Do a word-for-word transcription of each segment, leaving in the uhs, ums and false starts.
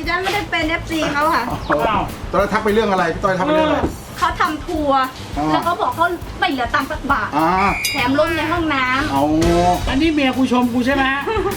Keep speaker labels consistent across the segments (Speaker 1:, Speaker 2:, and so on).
Speaker 1: ฉันไม่ได้เป็น เอฟ ซี เขาค่ะ
Speaker 2: ตอนนั้นทักไปเรื่องอะไรพี่ต้อยทักไปเรื่องอะไร
Speaker 1: เขาทำทัวร์แล้วเขาบอกเขาไม่เหลือตังค์สักบาทแถมล้มในห้องน้ำ
Speaker 2: เอา
Speaker 3: อันนี้เมียกูชมกูใช่ไหม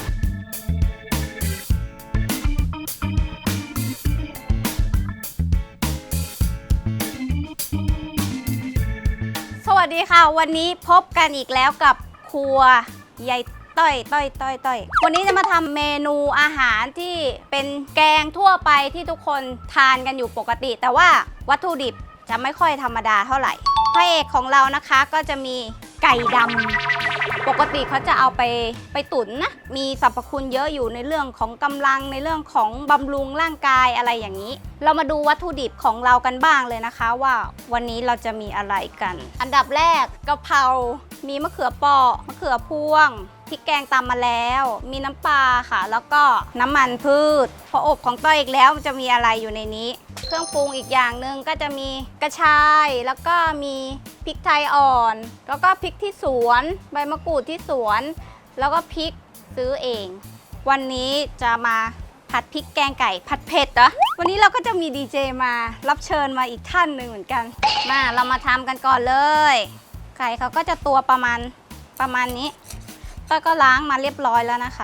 Speaker 1: สวัสดีค่ะวันนี้พบกันอีกแล้วกับครัวยายต้อยต้อยต้อยต้อยวันนี้จะมาทำเมนูอาหารที่เป็นแกงทั่วไปที่ทุกคนทานกันอยู่ปกติแต่ว่าวัตถุดิบจะไม่ค่อยธรรมดาเท่าไหร่พระเอกของเรานะคะก็จะมีไก่ดำปกติเขาจะเอาไปไปตุ๋นนะมีสรรพคุณเยอะอยู่ในเรื่องของกำลังในเรื่องของบำรุงร่างกายอะไรอย่างนี้เรามาดูวัตถุดิบของเรากันบ้างเลยนะคะว่าวันนี้เราจะมีอะไรกันอันดับแรกกะเพรามีมะเขือเปราะมะเขือพวงพริกแกงตำมาแล้วมีน้ำปลาค่ะแล้วก็น้ำมันพืชพออบของต้อยอีกแล้วจะมีอะไรอยู่ในนี้เครื่องปรุงอีกอย่างหนึ่งก็จะมีกระชายแล้วก็มีพริกไทยอ่อนแล้วก็พริกที่สวนใบมะกรูดที่สวนแล้วก็พริกซื้อเองวันนี้จะมาผัดพริกแกงไก่ผัดเผ็ดเหรอวันนี้เราก็จะมีดีเจมารับเชิญมาอีกท่านหนึ่งเหมือนกันมาเรามาทำกันก่อนเลยไก่เขาก็จะตัวประมาณประมาณนี้ต้อยก็ล้างมาเรียบร้อยแล้วนะคะ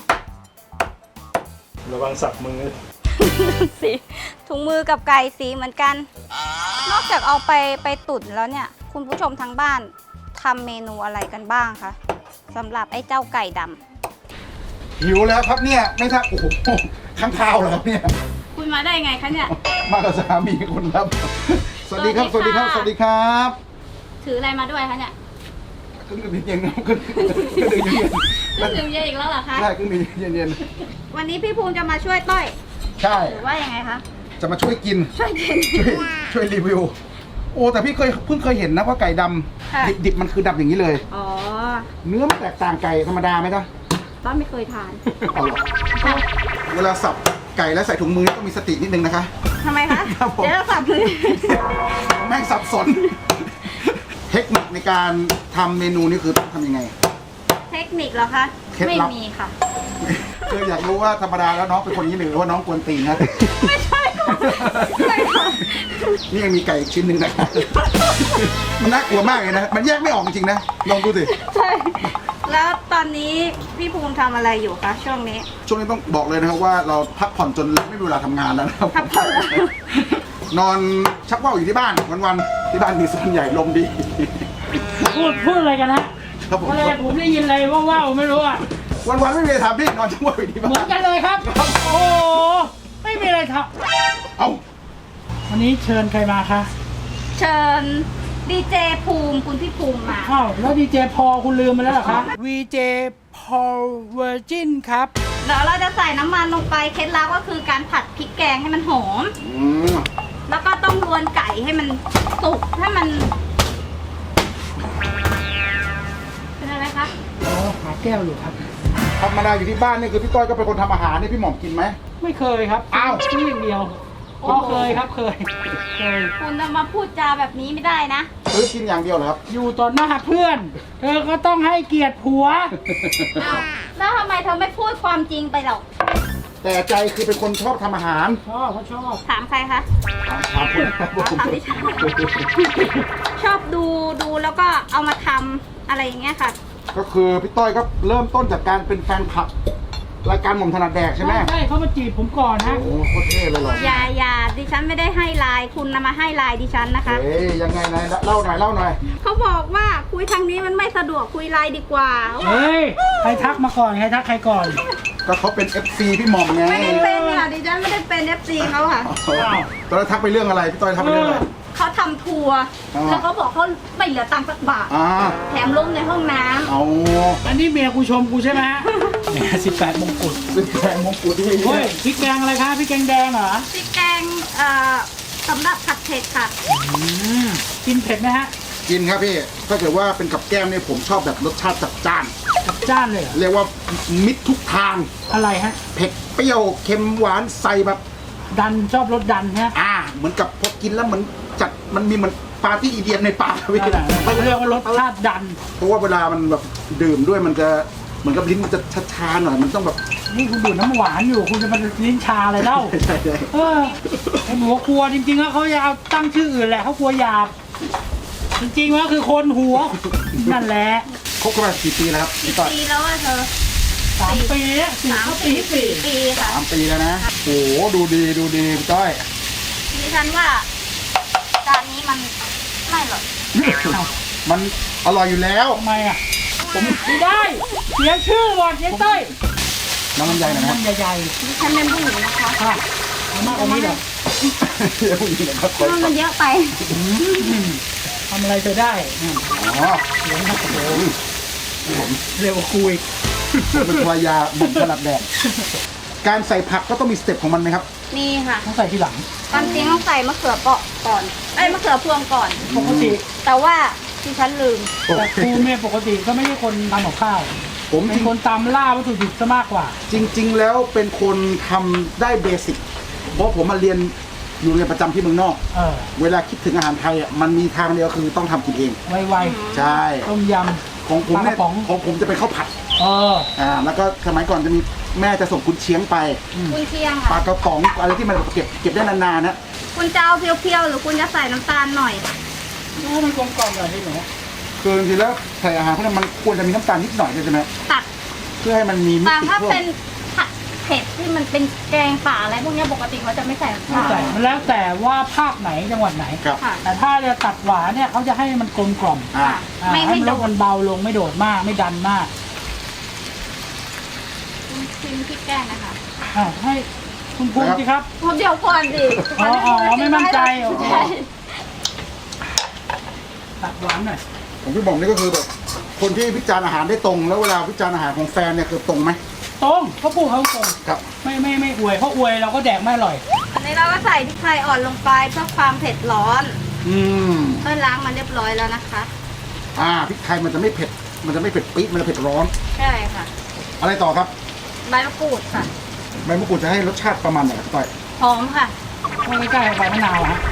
Speaker 2: ระวังสับมือ
Speaker 1: สีถุงมือกับไก่สีเหมือนกัน นอกจากเอาไปไปตุ๋นแล้วเนี่ยคุณผู้ชมทางบ้านทำเมนูอะไรกันบ้างคะสำหรับไอ้เจ้าไก่ดำ
Speaker 2: หิวแล้วครับเนี่ยไม่ทักโอ้โหข้างข้าวแล้วครับเนี่ย
Speaker 1: คุณมาได้ไงคะเนี่ย
Speaker 2: มากับสามีคุณครับสวัสดีครับสวัสดีครับสวัสดีครับ
Speaker 1: ถืออะไรมาด้วยคะเนี่ย
Speaker 2: เครื่องดื่มเย็นๆเครื่องดื่มเย็น
Speaker 1: เครื่องดื่มเย็นอีกแล้วเหรอคะ
Speaker 2: ใช่เครื่องดื่มเย็น
Speaker 1: ๆวันนี้พี่ภูมิจะมาช่วยต้อย
Speaker 2: ใช่
Speaker 1: หรือว่ายังไงคะ
Speaker 2: จะมาช่วยกิน
Speaker 1: ช่วยกิน
Speaker 2: ช่วยช่วยรีวิวโอ้แต่พี่เคยเพิ่งเคยเห็นนะว่าไก่ดำดิบๆมันคือดำอย่างนี้เลย
Speaker 1: อ๋อ
Speaker 2: เนื้อมันแตกต่างไก่ธรรมดาไหมจ๊ะ
Speaker 1: ต้อยไม่เคยทาน
Speaker 2: เอาหรอเวลาสับไก่แล้วใส่ถุงมือต้องมีสตินิดนึงนะคะ
Speaker 1: ทำไมคะเดี๋ยวสับมือ
Speaker 2: แม่งสับสนเทคนิคในการทำเมนูนี่คือทำยังไง
Speaker 1: เทคนิคเหรอคะไม่มีค่ะ
Speaker 2: คืออยากรู้ว่าธรรมดาแล้วน้องเป็นคนนี้หรือว่าน้องกวนตีนนะ
Speaker 1: ไม่ใช่ค่ะ
Speaker 2: นี่ยังมีไก่ชิ้นหนึ่งนะครับมันน่ากลัวมากเลยนะมันแยกไม่ออกจริงๆนะลองดูสิ
Speaker 1: ใช่แล้วตอนนี้พี่ภูมิทำอะไรอยู่คะช่วงนี้
Speaker 2: ช่วงนี้ต้องบอกเลยนะครับว่าเราพักผ่อนจนไม่มีเวลาทำงานแล้วนะครับ
Speaker 1: พักผ่อน
Speaker 2: นอนชักว่าวอยู่ที่บ้านวันๆที่บ้านมีส่วนใหญ่ลมดี
Speaker 3: พูดพูดอะไรกันนะครับผมอะไรผมได้ยินอะไรว่าๆไม่รู้อ่ะ
Speaker 2: วันๆไม่มีอะไรทำพี่นอนชักว่าวอยู่ที่บ้าน
Speaker 3: เหมือนกันเลยครับโอ้ไม่มีอะไรท
Speaker 2: ำเอา
Speaker 3: วันนี้เชิญใครมาคะ
Speaker 1: เชิญดีเจภูมิคุณพี่ภูมิมา
Speaker 3: อ้าวแล้วดีเจพอคุณลืมไปแล้วเหรอคะวีเจพอเวอร์จินครับ
Speaker 1: เดี๋ยวเราจะใส่น้ำมันลงไปเคล็ดลับก็คือการผัดพริกแกงให้มันหอมแล้วก็ต้องรวนไก่ให้มันสุกให้มันเป็นอะไรคะ
Speaker 3: อ๋อหาแก้วอยู่ครับ
Speaker 2: ธรรมดาอยู่ที่บ้านนี่คือพี่ต้อยก็เป็นคนทำอาหารนี่พี่หม่อมกินไหม
Speaker 3: ไม่เคยครับ
Speaker 2: อ้าว
Speaker 3: ซื้ออย่างเดียวอ๋อเคยครับเคยเคย
Speaker 1: คุณจะมาพูดจาแบบนี้ไม่ได้นะ
Speaker 2: ซื้อกินอย่างเดียวเหรอครับ
Speaker 3: อยู่ต่อหน้าเพื่อนเธอก็ต้องให้เกียรติผัว
Speaker 1: แล้วทำไมเธอไม่พูดความจริงไปหรอก
Speaker 2: แต่ใจคือเป็นคนชอบทำอาหาร
Speaker 3: ชอบเขาชอบ
Speaker 1: ถามใครคะ
Speaker 2: ถามคนครับ
Speaker 1: ถามดิฉันชอบดูดูแล้วก็เอามาทำอะไรอย่างเงี้ยค่ะ
Speaker 2: ก็คือพี่ต้อยก็เริ่มต้นจากการเป็นแฟนคลับรายการหม่อมถนัดแดกใช่ไหม
Speaker 3: ใช่เขามาจีบผมก่อนนะ
Speaker 2: โอ้โคตรเท่เลยหรอ
Speaker 1: อย่าอย่าดิฉันไม่ได้ให้ไลน์คุณนำมาให้ไลน์ดิฉันนะคะ
Speaker 2: เอ้ยยังไงนายเล่าหน่อยเล่าหน่อย
Speaker 1: เขาบอกว่าคุยทางนี้มันไม่สะดวกคุยไลน์ดีกว่า
Speaker 3: เฮ้ยใครทักมาก่อนใครทักใครก่อน
Speaker 2: ก็เขาเป็น เอฟ ซี พี่หม่อมไง
Speaker 1: ไม่ได้เป็นค่ะดิฉันไม่ได้เป็น เอฟ ซี เขาค่ะ
Speaker 2: ตอนนั้นทักไปเรื่องอะไรพี่ต้อยทักไปเรื่องอะไร
Speaker 1: เขาทำทัวร์แล้วเขาบอกเขาไม่เหลือตังค์สักบาทแถมล้มในห้องน้ำ
Speaker 2: เอา
Speaker 3: อันนี้เมียกูชมกูใช่ไหมแหมสิบแปดมงกุฎ
Speaker 2: สิบแปดมงกุฎที่
Speaker 3: เฮ้ยพริกแกงอะไรคะพริกแกงแดงเหรอ
Speaker 1: พริกแกงเอ่อสำหรับผัดเผ็ดค่ะ
Speaker 3: กินเผ็ดไหมฮะ
Speaker 2: กินครับพี่ถ้าเกิดว่าเป็นกับแก้มเนี่ยผมชอบแบบรสชาติจัดจ้าน
Speaker 3: จัดจ้านเลย
Speaker 2: เรียกว่ามิตรทุกทาง
Speaker 3: อะไรฮะ
Speaker 2: เผ็ดเปรี้ยวเค็มหวานใส่แบบ
Speaker 3: ดันชอบรสดันฮะ
Speaker 2: อ่าเหมือนกับพอกินแล้วเหมือนจัดมันมีเหมือนปาร์ตี้อีเดียนในปากพี่
Speaker 3: เขาเรียกว่ารสชาติดัน
Speaker 2: เพราะว่าเวลามันแบบดื่มด้วยมันจะเหมือนกับลิ้นมันจะชาๆหน่อยมันต้องแบบ
Speaker 3: นี่คุณดูดน้ำหวานอยู่คุณจะมาลิ้นชาอะไรเล่า
Speaker 2: ใช่ใช่
Speaker 3: เออไอ้หมูครัวจริงๆแล้วเขาจะเอาตั้งชื่ออื่นแหละเขากลัวหยาบจริงๆแล้วคือคนหัวนั่นแหละ
Speaker 2: คบกันมากี่ปีแล้วครับ
Speaker 1: กี่
Speaker 2: พี่ต้อย
Speaker 1: ปีแล้วอะเธอ
Speaker 3: สามปีแล้วสี่
Speaker 1: สาม
Speaker 3: เข้า
Speaker 1: ปี
Speaker 3: ปีที่
Speaker 1: สี่
Speaker 3: สี่
Speaker 1: ปีค่ะ
Speaker 2: สามปีแล้วนะโอ้โหดูดีดูดีพี่ต้อย
Speaker 1: ดิฉันว่าจานนี้มันไม่หรอก
Speaker 2: มันอร่อยอยู่แล้ว
Speaker 3: ทำไมอ่ะผมไม่ได้เสียชื่อก่อนเจ๊ต้อย
Speaker 2: น้ำมันใหญ่หน่อยนะ
Speaker 3: มันใหญ่
Speaker 1: ดิฉันเป็นผู้หญิงนะคะ
Speaker 3: ๆค่ะเอามากกว่านี้เหรอ
Speaker 2: เดี๋ยวผู้หญิงนะครับ
Speaker 1: มันมันเยอะไป
Speaker 3: ทำอะไรเธอได้อืม
Speaker 2: อ๋อ
Speaker 3: เสียงครับโอ้โหเร็วกว่าคุย
Speaker 2: ผมเป็นภรรยาหม่อมถนัดแดดการใส่ผักก็ต้องมีสเต็ปของมันไหมครับ
Speaker 1: มีค่ะ
Speaker 3: ต้องใส่ทีหลัง
Speaker 1: ความจริงต้องใส่มะเขือเปราะก่อนไอ้ยมะเขือพวงก่อน
Speaker 3: ปกติ
Speaker 1: แต่ว่าดิฉันลืม
Speaker 3: แต่ครูเนี่ยปกติก็ไม่ใช่คนทำกับข้าว
Speaker 2: ผม
Speaker 3: เป็นคนตามล่าวัตถุดิบซะมากกว่า
Speaker 2: จริง ๆ แล้วเป็นคนทำได้เบสิกเพราะผมมาเรียนอยู่เรียนประจำที่เมืองนอก
Speaker 3: เออ
Speaker 2: เวลาคิดถึงอาหารไทยอ่ะมันมีทางเดียวคือต้องทำกินเอง
Speaker 3: ไว
Speaker 2: ใช่
Speaker 3: ๆต้มย
Speaker 2: ของผมเนี่ย
Speaker 3: ปลากระป๋อง
Speaker 2: ของผมจะเป็นข้าวผัด
Speaker 3: ำเออ
Speaker 2: อ่าแล้วก็สมัยก่อนจะมีแม่จะส่งกุนเชียงไป
Speaker 1: คุณเชียง
Speaker 2: ปลา
Speaker 1: ค่ะ
Speaker 2: กระป๋องอะไรที่มันเก็บเก็บได้นานๆนะ
Speaker 1: คุณจะเอาเพียวๆหรือคุณจะใส่น้ำตาลหน่อย
Speaker 3: ดูมันกลมกล่อมแบบนี้เหรอ
Speaker 2: คือจริงๆแล้วใส่อาหารพวกนั้นมันควรจะมีน้ำตาลนิดหน่อยใช่ไหม
Speaker 1: ตัด
Speaker 2: เพื่อให้มันมีมิ
Speaker 1: แต่
Speaker 2: ติ
Speaker 1: ถ้า
Speaker 2: เพิ่ม
Speaker 1: เป็นผัดเผ็ดที่มันเป็นแกงป่าอะไรพวกเนี้ยปกติเขาจะไม่ใส่น้ำ
Speaker 3: ไม่
Speaker 1: ตาล
Speaker 3: ใส่มันแล้วแต่ว่าภาคไหนจังหวัดไหน
Speaker 2: ครับ
Speaker 1: ค่ะ
Speaker 3: แต่ถ้าจะตัดหวานเนี่ยเขาจะให้มันกลมกล่อม
Speaker 2: อ่า
Speaker 3: อ่า
Speaker 1: ไม่
Speaker 3: ให้
Speaker 1: ให้
Speaker 3: มัน
Speaker 1: โด
Speaker 3: ลด
Speaker 1: น
Speaker 3: มันเบาลงไม่โดดมากไม่ดันมาก
Speaker 1: ชิมพริกแกงนะคะ
Speaker 3: อ่าให้คุณภูมิสิครับ
Speaker 1: ผมเดี๋ยวก่อนดิ
Speaker 3: อ๋ออ๋อไม่มั่นใจโอเค
Speaker 1: ใช่
Speaker 3: ตัดหวานหน่อย
Speaker 2: ผมพี่บอกนี่ก็คือแบบคนที่วิจารณ์อาหารได้ตรง แล้วเวลาวิจารณ์อาหารของแฟนเนี่ยคือตรงไหม
Speaker 3: ตรงเขาพูดเขาตรง
Speaker 2: ครับ
Speaker 3: ไม่ไม่ไม่อวยเพราะอวยเราก็แดกไม่อร่อย
Speaker 1: อันนี้เราก็ใส่พริกไทยอ่อนลงไปเพื่อความเผ็ดร้อน
Speaker 2: อืม
Speaker 1: เพื่อล้างมันเรียบร้อยแล้วนะคะ
Speaker 2: อ่าพริกไทยมันจะไม่เผ็ด มันจะไม่เผ็ดปี๊ดมันจะเผ็ดร้อน
Speaker 1: ใช่ค่ะ
Speaker 2: อะไรต่อครับ
Speaker 1: ใบมะกรูดค่ะ
Speaker 2: ใบมะกรูดจะให้รสชาติประมาณไหนครับต่อย
Speaker 1: หอมค่ะ
Speaker 3: ไม่ใกล้ๆใบมะนาวอะฮะ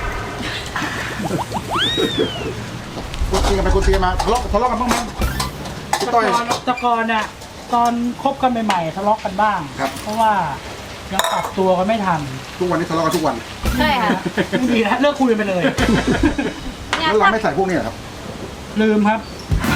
Speaker 2: คุยตีกันไปคุยตีกันมาทะเลาะทะเลาะกันบ้างไหมพี่
Speaker 3: ตะ
Speaker 2: ต้อย
Speaker 3: กอนตะกอนเนี่ยตอนคบกันใหม่ๆทะเลาะกันบ้าง
Speaker 2: ครับ
Speaker 3: เพราะว่ายังปรับตัวกันไม่ทัน
Speaker 2: ทุกวันนี้ทะเลาะกันทุกวัน
Speaker 1: ใช่ค่ะ
Speaker 3: ไม่ดีแล้วเลิกคุยกันไปเลย
Speaker 1: เนี่ย
Speaker 2: แล้วเรา
Speaker 1: ถ้า
Speaker 2: ไม่ใส่พวกนี้เหรอครับ
Speaker 3: ลืมครับ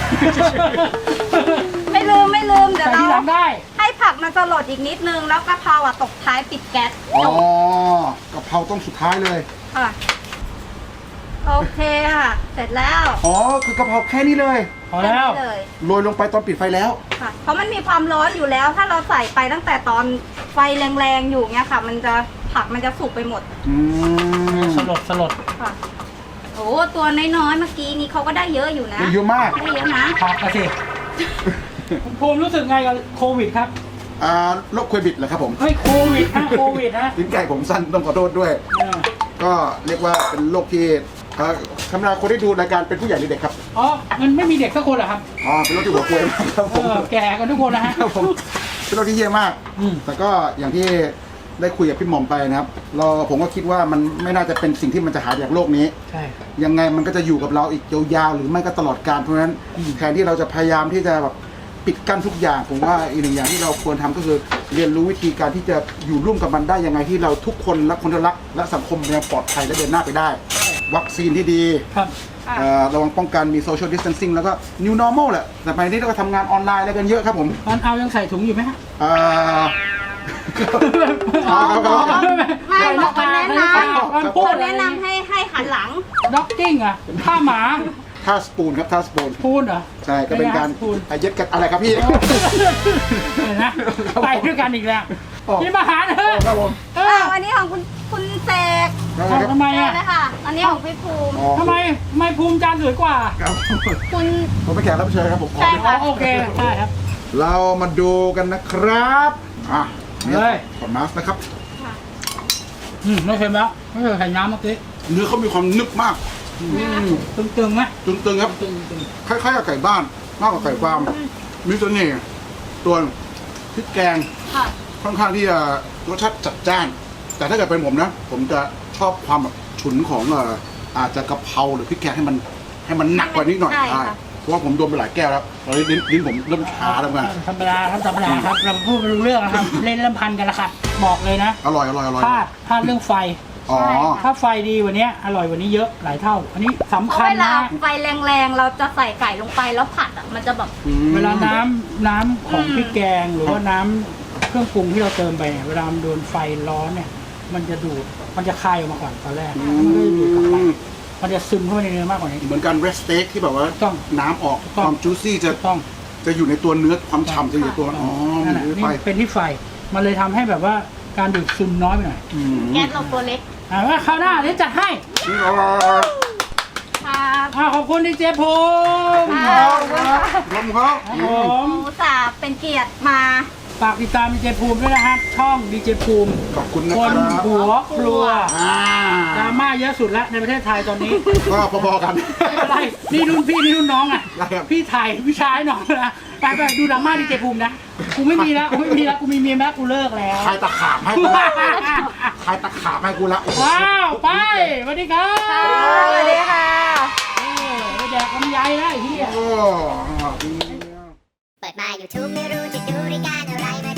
Speaker 1: ไม่ลืมไม่ลืมเดี๋ยว
Speaker 3: ใส่
Speaker 1: เรา
Speaker 3: ที่หลังได้
Speaker 1: ให้ผักมันสลดอีกนิดนึง แล้วกะเพราอ่ะตกท้ายปิดแก๊ส
Speaker 2: อ๋อ
Speaker 1: จบ
Speaker 2: กะเพราต้องสุดท้ายเลย
Speaker 1: ค่ะ โอเคค่ะ เสร็จแล้ว
Speaker 2: อ๋อ คือกะเพราแค่นี้เลย
Speaker 3: พอแล้ว
Speaker 1: ค่นี้เลย
Speaker 2: โรยลงไปตอนปิดไฟแล้ว
Speaker 1: ค่ะ เพราะมันมีความร้อนอยู่แล้ว ถ้าเราใส่ไปตั้งแต่ตอนไฟแรงๆอยู่เงี้ยค่ะ มันจะผักมันจะสุกไปหมด
Speaker 2: อืม
Speaker 3: สลดสลด
Speaker 1: ค่ะ โอ้ตัวน้อยๆเมื่อกี้นี้เขาก็ได้เยอะอยู่นะ
Speaker 2: เยอะมาก
Speaker 1: ได้เยอะนะ
Speaker 3: ผักมาสิคุณภูมิรู้สึกไงกับโควิดครับ
Speaker 2: อ่าโรคโควิดเหรอครับผม
Speaker 3: เฮ้ยโควิดฮะโควิดฮะ
Speaker 2: ลิ้นไก่ผมสั้นต้องขอโทษด้วย
Speaker 3: เออ
Speaker 2: ก็เรียกว่าเป็นโรคที่เอ่อธรรมดาคนที่ดูรายการเป็นผู้ใหญ่หรือเด็กครับ
Speaker 3: อ๋อมันไม่มีเด็กสักคนเหรอครับ
Speaker 2: อ๋อ เป็นโรคที่หัวป่วยมากครับ
Speaker 3: เอ
Speaker 2: ผม
Speaker 3: อแก่กันทุกคนนะฮะ
Speaker 2: ครับผม เป็นโรคที่เยี่ยมาก
Speaker 3: อืม
Speaker 2: แต่ก็อย่างที่ได้คุยกับพี่หม่อมไปนะครับ เราผมก็คิดว่ามันไม่น่าจะเป็นสิ่งที่มันจะหายจากโลกนี้
Speaker 3: ใช่ครับ
Speaker 2: ยังไงมันก็จะอยู่กับเราอีกยาวๆหรือไม่ก็ตลอดกาลเพราะฉะนั้น
Speaker 3: อืม
Speaker 2: แทนที่เราจะพยายามที่จะแบบปิดกั้นทุกอย่างผมว่าอีกหนึ่งอย่างที่เราควรทำก็คือเรียนรู้วิธีการที่จะอยู่ร่วมกับมันได้ยังไงที่เราทุกคนรักคนรักและสังคมยังปลอดภัยและเดินหน้าไปได้ วัคซีนที่ดี
Speaker 3: ครับ
Speaker 1: ค่ะ
Speaker 2: เอ่อระวังป้องกันมี social distancing แล้วก็ new normal แหละแต่ไปนี้เราก็ทำงานออนไลน์อะไรกันเยอะครับผม
Speaker 3: ตอนเอายังใส่ถุงอยู่ไหมฮะ
Speaker 2: เอ่อ ครับครับครับ
Speaker 1: ไม่บอกคนแนะน
Speaker 3: มัน
Speaker 1: ำ
Speaker 3: พู
Speaker 1: ค
Speaker 3: ด
Speaker 1: นแนะนำให้ให้หันหลัง
Speaker 3: ด็อกกิ้งอะท่าหมา
Speaker 2: ท่าสปูนครับท่าสปูน
Speaker 3: พูดเหรอ
Speaker 2: ใช่ก็เป็นการ
Speaker 3: พูด
Speaker 2: อ่ะเย็ดกันอะไรครับพี่
Speaker 3: เห็นนะไปด้วยกันอีกแล้ว
Speaker 2: อ๋อ
Speaker 3: พี่มาหาเถอะ
Speaker 2: ครับผม
Speaker 3: เอ
Speaker 1: อ้า
Speaker 3: อ
Speaker 1: วอันนี้ของคุณคุณเสก
Speaker 2: ครับ
Speaker 3: เอาทำไม
Speaker 1: ใช่
Speaker 3: อะ
Speaker 1: เลยค่ะ อันนี้ของพี่ภูมิ
Speaker 2: อ๋อ
Speaker 3: ทำไมไม่ภูมิใจสวยกว่า
Speaker 2: ครับ
Speaker 1: คุณ
Speaker 2: ผมเป็นแขกรับเชิญครับผมขอ
Speaker 1: ใช่
Speaker 3: อ๋อโอเคใช่ครับ
Speaker 2: เรามาดูกันนะครับอ่ะนี่
Speaker 3: เลย
Speaker 2: ขอมาสนะครับ
Speaker 3: อืมไม่เคยแล้วไม่เคยไข่น้ำเมื่อกี้
Speaker 2: เนื้อเขามีความนึบมากอืม
Speaker 3: ตึงๆไหม
Speaker 2: ตึงๆครับ
Speaker 3: ตึง
Speaker 2: คล้ายๆกับไก่บ้านมากกว่าไก่ฟาร์มมีเสน่ห์ตัวพริกแกง
Speaker 1: ค่ะ
Speaker 2: ค่อนข้างที่จะรสชาติจัดจ้าน แต่ถ้าเกิดเป็นผมนะ ผมจะชอบความแบบฉุนของเอ่ออาจจะกะเพราหรือพริกแกงให้มันให้มันหนักกว่านี้หน่อย
Speaker 1: ใช่ค่ะ
Speaker 2: ใราะว่าผมโดนไปหลายแก้วแล้วตอนนี้ลิ้นลิ้นผมเริ่มชาแล้วมา
Speaker 3: ธรรมดาครับธรรมดาครับเราพูดไม่รู้เรื่องนะครับ เล่นลำพันกันละครับบอกเลยนะ
Speaker 2: อร่อยอร่อยอร่อย
Speaker 3: พลาดพลาดเรื่องไฟ
Speaker 2: อ๋อ
Speaker 3: ถ้าไฟดีกวันนี้อร่อยกวันนี้เยอะหลายเท่า อันนี้สำ
Speaker 1: เพราะ
Speaker 3: คัญ
Speaker 1: เวลา
Speaker 3: นะ
Speaker 1: ไฟแรงๆ เราจะใส่ไก่ลงไปแล้วผัดอ่ะมันจะแบบ
Speaker 2: อืม
Speaker 3: เวลาน้ำน้ำของพริกแกงหรือว่าน้ำเครื่องปรุงที่เราเติมไปเนี่ยเวลามันโดนไฟร้อนเนี่ยมันจะดูดมันจะคายออกมาก่อนตอนแรก
Speaker 2: อื
Speaker 3: มันก็จะดูดกลับไป
Speaker 2: ม
Speaker 3: มันจะซึมเข้าไปในเนื้อมากกว่านี้
Speaker 2: เหมือนกันเรสเต็กที่แบบว่า
Speaker 3: ต้อง
Speaker 2: น้ำออก
Speaker 3: ต้
Speaker 2: ค
Speaker 3: อง
Speaker 2: วามจูซี่จะ
Speaker 3: ต้อง
Speaker 2: จะอยู่ในตัวเนื้อความฉ่ำจะอยู่ในตัวอ๋อ
Speaker 3: นั่
Speaker 2: มัน
Speaker 3: น
Speaker 2: อยู่
Speaker 3: แหละ
Speaker 2: ใน
Speaker 3: นี่
Speaker 2: ไฟ
Speaker 3: เป็นที่ไฟ มันเลยทำให้แบบว่าการดูดซึมน้อยไปหน่อย
Speaker 2: อืม
Speaker 1: แก๊สเราตัวเล็ก
Speaker 3: อ่าว่าคราวหน้าเดี๋ยวจัดให้
Speaker 2: อร่อย
Speaker 1: ครับ
Speaker 3: อ่าขอบคุณดีเจภูมิ
Speaker 1: ค
Speaker 2: ค
Speaker 1: รั
Speaker 2: รับครับรมครับ
Speaker 3: ครับผม
Speaker 1: หมูสาบเป็นเกียรติมา
Speaker 3: ฝากติดตามดีเจภูมิด้วยนะครับช่องดีเจภูมิ
Speaker 2: ขอบคุณนะ
Speaker 3: ค
Speaker 2: คน รับ
Speaker 3: หัวครัว
Speaker 2: อ่า
Speaker 3: ดราม่าเยอะสุดแล้วในประเทศไทยตอนนี้
Speaker 2: ก็พอๆกัน
Speaker 3: ไม่เป็นไรนี่รุ่นพี่นี่รุ่นน้องอ่ะ
Speaker 2: ได้ครับ
Speaker 3: พี่ถ่ายพี่ชายน้องนะไปไปดูดราม่าดีเจภูมินะกูไม่มีแล้วกูไม่มีแล้วกูมีเมียแล้วกูเลิกแล้ว
Speaker 2: ใครตะขาบให้กูละใครตะขาบให้กูละ
Speaker 3: ว้าวไปสวัสดีครับ
Speaker 1: สวัสดีค่ะ
Speaker 3: เออไปแดกลำไยแล้วไอ้เหี้ย
Speaker 2: โอ้
Speaker 4: เปิดมา YouTube ไม่รู้จะดูรายการอะไรมา